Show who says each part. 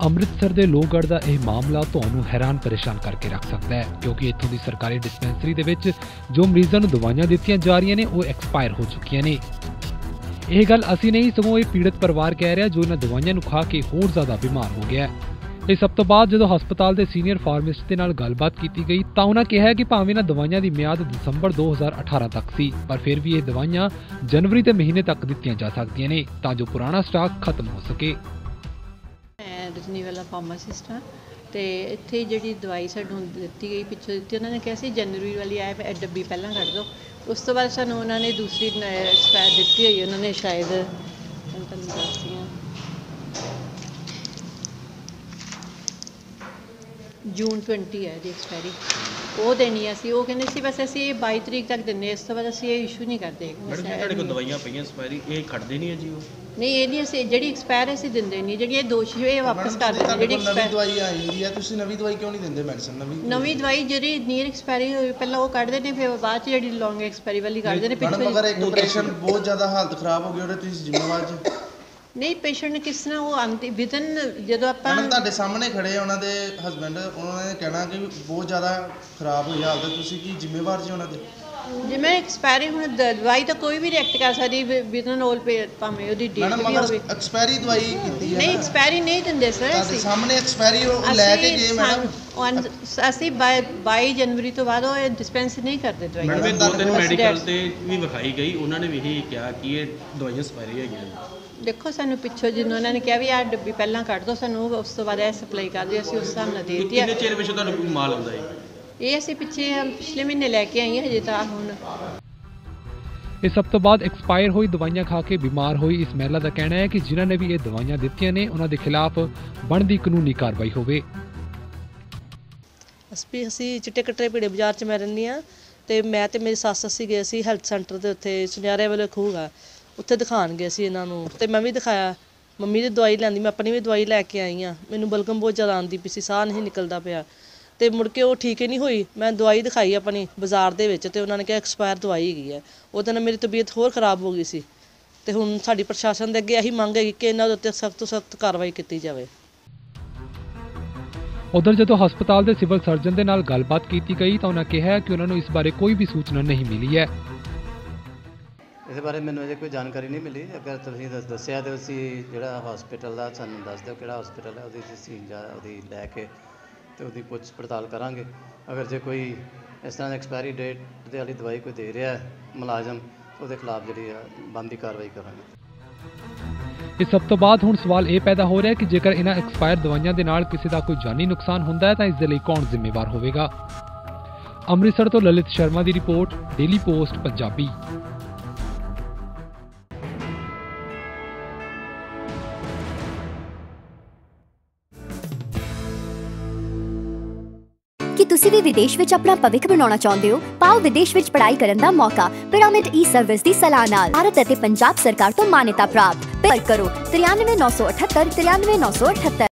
Speaker 1: ਅੰਮ੍ਰਿਤਸਰ ਦੇ ਲੋਹਗੜ੍ਹ ਦਾ ਇਹ ਮਾਮਲਾ ਤੁਹਾਨੂੰ ਹੈਰਾਨ ਪਰੇਸ਼ਾਨ ਕਰਕੇ ਰੱਖ ਸਕਦਾ ਹੈ, ਕਿਉਂਕਿ ਇੱਥੋਂ ਦੀ ਸਰਕਾਰੀ ਡਿਸਪੈਂਸਰੀ ਦੇ ਵਿੱਚ ਜੋ ਮਰੀਜ਼ਾਂ ਨੂੰ ਦਵਾਈਆਂ ਦਿੱਤੀਆਂ ਜਾ ਰਹੀਆਂ ਨੇ ਉਹ ਐਕਸਪਾਇਰ ਹੋ ਚੁੱਕੀਆਂ ਨੇ। ਇਹ ਗੱਲ ਅਸੀਂ ਨਹੀਂ, ਸਗੋਂ ਇਹ ਪੀੜਤ ਪਰਿਵਾਰ ਕਹਿ ਰਿਹਾ ਜੋ ਇਹਨਾਂ ਦਵਾਈਆਂ ਨੂੰ ਖਾ ਕੇ ਹੋਰ ਜ਼ਿਆਦਾ ਬਿਮਾਰ ਹੋ ਗਿਆ ਹੈ। ਇਸ ਸਭ ਤੋਂ ਬਾਅਦ ਜਦੋਂ ਹਸਪਤਾਲ ਦੇ ਸੀਨੀਅਰ ਫਾਰਮਾਸਿਸਟ ਦੇ ਨਾਲ ਗੱਲਬਾਤ ਕੀਤੀ ਗਈ ਤਾਂ ਉਹਨਾਂ ਕਿਹਾ ਕਿ ਭਾਵੇਂ ਇਹਨਾਂ ਦਵਾਈਆਂ ਦੀ ਮਿਆਦ ਦਸੰਬਰ 2018 ਤੱਕ ਸੀ, ਪਰ ਫਿਰ ਵੀ ਇਹ ਦਵਾਈਆਂ ਜਨਵਰੀ ਦੇ ਮਹੀਨੇ ਤੱਕ ਦਿੱਤੀਆਂ ਜਾ ਸਕਦੀਆਂ ਨੇ ਤਾਂ ਜੋ ਪੁਰਾਣਾ ਸਟਾਕ ਖਤਮ ਹੋ ਸਕੇ।
Speaker 2: ਮੈਂ ਰਜਨੀ ਵਾਲਾ ਫਾਰਮਾਸਿਸਟ ਹਾਂ ਤੇ ਇੱਥੇ ਜਿਹੜੀ ਦਵਾਈ ਸਾਨੂੰ ਦਿੱਤੀ ਗਈ ਪਿੱਛੋਂ ਦਿੱਤੀ, ਉਹਨਾਂ ਨੇ ਕਿਹਾ ਸੀ ਜਨਵਰੀ ਵਾਲੀ ਆਏ ਡੱਬੀ ਪਹਿਲਾਂ ਕੱਢ ਦਿਓ। ਉਸ ਤੋਂ ਬਾਅਦ ਸਾਨੂੰ ਉਹਨਾਂ ਨੇ ਦੂਸਰੀ ਐਕਸਪਾਇਰ ਦਿੱਤੀ ਹੋਈ, ਉਹਨਾਂ ਨੇ ਸ਼ਾਇਦ ਤੁਹਾਨੂੰ ਦੱਸਦੀ ਹਾਂ ਜੂਨ 20 ਹੈ ਦੀ ਐਕਸਪਾਇਰੀ, ਉਹ ਦੇਣੀ ਅਸੀਂ। ਉਹ ਕਹਿੰਦੇ ਸੀ ਬਸ ਅਸੀਂ 22 ਤਰੀਕ ਤੱਕ ਦਿੰਦੇ, ਇਸ ਤੋਂ ਬਾਅਦ ਅਸੀਂ ਇਹ ਇਸ਼ੂ ਨਹੀਂ ਕਰਦੇ।
Speaker 3: ਤੁਹਾਡੇ ਕੋਲ ਦਵਾਈਆਂ ਪਈਆਂ ਐਕਸਪਾਇਰੀ, ਇਹ ਖੜਦੇ ਨਹੀਂ ਹੈ ਜੀ? ਉਹ
Speaker 2: ਨਹੀਂ, ਇਹ ਨਹੀਂ, ਅਸੀਂ ਜਿਹੜੀ ਐਕਸਪਾਇਰ ਅਸੀਂ ਦਿੰਦੇ ਨਹੀਂ, ਜਿਹੜੀ ਇਹ ਦੋਸ਼ੀ ਇਹ ਵਾਪਸ ਕਰ ਦਿੰਦੇ। ਜਿਹੜੀ
Speaker 4: ਨਵੀਂ ਦਵਾਈ ਆਈ ਹੈ, ਤੁਸੀਂ ਨਵੀਂ ਦਵਾਈ ਕਿਉਂ ਨਹੀਂ ਦਿੰਦੇ? ਮੈਡੀਸਨ
Speaker 2: ਨਵੀਂ ਦਵਾਈ ਜਿਹੜੀ ਨੀਅਰ ਐਕਸਪਾਇਰੀ ਹੋਈ ਪਹਿਲਾਂ ਉਹ ਕੱਢਦੇ ਨੇ, ਫਿਰ ਬਾਅਦ 'ਚ ਜਿਹੜੀ ਲੌਂਗ ਐਕਸਪਾਇਰੀ ਵਾਲੀ ਕੱਢਦੇ ਨੇ।
Speaker 4: ਪਿੱਛੇ ਅਗਰ ਇੱਕ ਪੇਸ਼ੈਂਟ ਬਹੁਤ ਜ਼ਿਆਦਾ ਹਾਲਤ ਖਰਾਬ ਹੋ ਗਈ, ਉਹਦੇ ਤੁਸੀਂ ਜ਼ਿੰਮੇਵਾਰ ਜੀ? ਨਹੀਂ,
Speaker 2: ਪੇਸ਼ੈਂਟ ਕਿਸ ਤਰ੍ਹਾਂ ਉਹ ਆਂਦੀ ਵਿਦਨ ਜਦੋਂ ਆਪਾਂ
Speaker 4: ਤੁਹਾਡੇ ਸਾਹਮਣੇ ਖੜੇ ਉਹਨਾਂ ਦੇ ਹਸਬੈਂਡ, ਉਹਨਾਂ ਨੇ ਕਹਿਣਾ ਕਿ ਬਹੁਤ ਜ਼ਿਆਦਾ ਖਰਾਬ ਹੋਈ ਹਾਲਤ, ਤੁਸੀਂ ਕੀ ਜ਼ਿੰਮੇਵਾਰ ਜੀ ਉਹਨਾਂ ਦੇ?
Speaker 2: ਜਿਵੇਂ ਐਕਸਪਾਇਰੀ ਹੁਣ ਦਵਾਈ ਤਾਂ ਕੋਈ ਵੀ ਰਿਐਕਟ ਕਰ ਸਕਦੀ ਵਿਦਨ ਆਲ ਭਾਵੇਂ ਉਹਦੀ ਡੇਟ ਵੀ ਹੋਵੇ।
Speaker 4: ਐਕਸਪਾਇਰੀ ਦਵਾਈ ਕੀਤੀ ਹੈ?
Speaker 2: ਨਹੀਂ, ਐਕਸਪਾਇਰੀ ਨਹੀਂ ਦਿੰਦੇ ਸਰ ਅਸੀਂ।
Speaker 4: ਤੁਹਾਡੇ ਸਾਹਮਣੇ ਐਕਸਪਾਇਰੀ ਉਹ ਲੈ ਕੇ ਗਏ ਮੈਡਮ।
Speaker 2: ਅਸੀਂ 22 ਜਨਵਰੀ ਤੋਂ ਬਾਅਦ ਉਹ ਡਿਸਪੈਂਸ ਨਹੀਂ ਕਰਦੇ ਦਵਾਈ।
Speaker 3: ਮੈਡਮ 2-3 ਮੈਡੀਕਲ ਤੇ ਵੀ ਵਿਖਾਈ ਗਈ, ਉਹਨਾਂ ਨੇ ਵੀ ਇਹੀ ਕਿਹਾ ਕਿ ਇਹ ਦਵਾਈਆਂ ਐਕਸਪਾਇਰੀ ਹੈਗੀਆਂ।
Speaker 2: ਦੇਖੋ ਸਾਨੂੰ ਪਿੱਛੋਂ ਜਿੰਨਾਂ ਉਹਨਾਂ ਨੇ ਕਿਹਾ ਵੀ ਆਹ ਡੱਬੀ ਪਹਿਲਾਂ ਕੱਢ ਦਿਓ, ਸਾਨੂੰ ਉਸ ਤੋਂ ਬਾਅਦ ਇਹ ਸਪਲਾਈ ਕਰ ਦਿਓ, ਅਸੀਂ ਉਸ ਹਿਸਾਬ ਨਾਲ ਦੇ ਦਿੱਤੀ।
Speaker 3: ਕਿੰਨੇ ਚਿਰ ਵਿੱਚ ਤੁਹਾਨੂੰ ਕੋਈ ਮਾਲ ਆਉਂਦਾ ਹੈ?
Speaker 2: ਇਹ ਅਸੀਂ ਪਿਛਲੇ ਮਹੀਨੇ ਲੈ ਕੇ ਆਈ ਹਾਂ, ਹਜੇ ਤਾਂ ਹੁਣ।
Speaker 1: ਇਸ ਸਭ ਤੋਂ ਬਾਅਦ ਐਕਸਪਾਇਰ ਹੋਈ ਦਵਾਈਆਂ ਖਾ ਕੇ ਬਿਮਾਰ ਹੋਈ ਇਸ ਮਹਿਲਾ ਦਾ ਕਹਿਣਾ ਹੈ ਕਿ ਜਿਨ੍ਹਾਂ ਨੇ ਵੀ ਇਹ ਦਵਾਈਆਂ ਦਿੱਤੀਆਂ ਨੇ ਉਹਨਾਂ ਦੇ ਖਿਲਾਫ ਬਣਦੀ ਕਾਨੂੰਨੀ ਕਾਰਵਾਈ ਹੋਵੇ।
Speaker 5: ਅਸੀਂ ਚਿੱਟੇ ਕੱਟਰੇ ਭੀੜੇ ਬਾਜ਼ਾਰ 'ਚ ਮੈਂ ਰਹਿੰਦੀ ਹਾਂ ਤੇ ਮੈਂ ਤੇ ਮੇਰੀ ਸੱਸ ਅਸੀਂ ਗਏ ਸੀ ਹੈਲਥ ਸੈਂਟਰ ਦੇ ਉੱਥੇ ਸੁਨਿਆਰੇ ਵਾਲੇ ਖੂਹ ਆ, ਉੱਥੇ ਦਿਖਾਉਣ ਗਏ ਸੀ ਇਹਨਾਂ ਨੂੰ ਤੇ ਮੈਂ ਵੀ ਦਿਖਾਇਆ। ਮੰਮੀ ਦੀ ਦਵਾਈ ਲੈਂਦੀ, ਮੈਂ ਆਪਣੀ ਵੀ ਦਵਾਈ ਲੈ ਕੇ ਆਈ ਹਾਂ। ਮੈਨੂੰ ਬਲਗਮ ਬਹੁਤ ਜ਼ਿਆਦਾ ਆਉਂਦੀ ਪਈ ਸੀ, ਸਾਹ ਨਹੀਂ ਨਿਕਲਦਾ ਪਿਆ ਤੇ ਮੁੜ ਕੇ ਉਹ ਠੀਕ ਹੀ ਨਹੀਂ ਹੋਈ। ਮੈਂ ਦਵਾਈ ਦਿਖਾਈ ਆਪਣੀ ਬਾਜ਼ਾਰ ਦੇ ਵਿੱਚ ਤੇ ਉਹਨਾਂ ਨੇ ਕਿਹਾ ਐਕਸਪਾਇਰ ਦਵਾਈ ਹੈਗੀ ਹੈ। ਉਹਦੇ ਨਾਲ ਮੇਰੀ ਤਬੀਅਤ ਹੋਰ ਖਰਾਬ ਹੋ ਗਈ ਸੀ ਤੇ ਹੁਣ ਸਾਡੀ ਪ੍ਰਸ਼ਾਸਨ ਦੇ ਅੱਗੇ ਇਹੀ ਮੰਗ ਹੈਗੀ ਕਿ ਇਹਨਾਂ ਦੇ ਉੱਤੇ ਸਖਤ ਤੋਂ ਸਖਤ ਕਾਰਵਾਈ ਕੀਤੀ ਜਾਵੇ।
Speaker 1: ਉਧਰ ਜਦੋਂ ਹਸਪਤਾਲ ਦੇ ਸਿਵਲ ਸਰਜਨ ਦੇ ਨਾਲ ਗੱਲਬਾਤ ਕੀਤੀ ਗਈ ਤਾਂ ਉਹਨਾਂ ਕਿਹਾ ਕਿ ਉਹਨਾਂ ਨੂੰ ਇਸ ਬਾਰੇ ਕੋਈ ਵੀ ਸੂਚਨਾ ਨਹੀਂ ਮਿਲੀ ਹੈ।
Speaker 6: ਇਸ ਬਾਰੇ ਮੈਨੂੰ ਅਜੇ ਕੋਈ ਜਾਣਕਾਰੀ ਨਹੀਂ ਮਿਲੀ। ਅਗਰ ਤੁਸੀਂ ਦੱਸਿਆ ਤਾਂ ਅਸੀਂ ਜਿਹੜਾ ਹਸਪੀਟਲ ਦਾ ਸਾਨੂੰ ਦੱਸ ਦਿਓ ਕਿਹੜਾ ਹਸਪੀਟਲ ਹੈ, ਉਹਦੀ ਤਸਦੀਕ ਜਾਂ ਉਹਦੀ ਲੈ ਕੇ ਤੇ ਉਹਦੀ ਪੁੱਛ ਪੜਤਾਲ ਕਰਾਂਗੇ। ਅਗਰ ਜੇ ਕੋਈ ਇਸ ਤਰ੍ਹਾਂ ਦੀ ਐਕਸਪਾਇਰੀ ਡੇਟ ਦੇ ਵਾਲੀ ਦਵਾਈ ਕੋਈ ਦੇ ਰਿਹਾ ਹੈ ਮੁਲਾਜ਼ਮ, ਉਹਦੇ ਖਿਲਾਫ ਜਿਹੜੀ ਆ ਬਣਦੀ ਕਾਰਵਾਈ ਕਰਾਂਗੇ।
Speaker 1: ਇਸ ਸਭ ਤੋਂ ਬਾਅਦ ਹੁਣ ਸਵਾਲ ਇਹ ਪੈਦਾ ਹੋ ਰਿਹਾ ਕਿ ਜੇਕਰ ਇਹਨਾਂ ਐਕਸਪਾਇਰ ਦਵਾਈਆਂ ਦੇ ਨਾਲ ਕਿਸੇ ਦਾ ਕੋਈ ਜਾਨੀ ਨੁਕਸਾਨ ਹੁੰਦਾ ਹੈ ਤਾਂ ਇਸ ਦੇ ਲਈ ਕੌਣ ਜ਼ਿੰਮੇਵਾਰ ਹੋਵੇਗਾ। ਅੰਮ੍ਰਿਤਸਰ ਤੋਂ ਲਲਿਤ ਸ਼ਰਮਾ ਦੀ ਰਿਪੋਰਟ, ਡੇਲੀ ਪੋਸਟ ਪੰਜਾਬੀ।
Speaker 7: ਕਿ ਤੁਸੀਂ ਵੀ ਵਿਦੇਸ਼ ਵਿੱਚ ਆਪਣਾ ਭਵਿੱਖ ਬਣਾਉਣਾ ਚਾਹੁੰਦੇ ਹੋ? ਪਾਓ ਵਿਦੇਸ਼ ਵਿੱਚ ਪੜ੍ਹਾਈ ਕਰਨ ਦਾ ਮੌਕਾ ਪਿਰਾਮਿਡ ਈ-ਸਰਵਿਸ ਦੀ ਸਲਾਹ ਨਾਲ। ਭਾਰਤ ਅਤੇ ਪੰਜਾਬ ਸਰਕਾਰ ਤੋਂ ਮਾਨਤਾ ਪ੍ਰਾਪਤ। ਪਰ ਕਰੋ 93 978 93 978।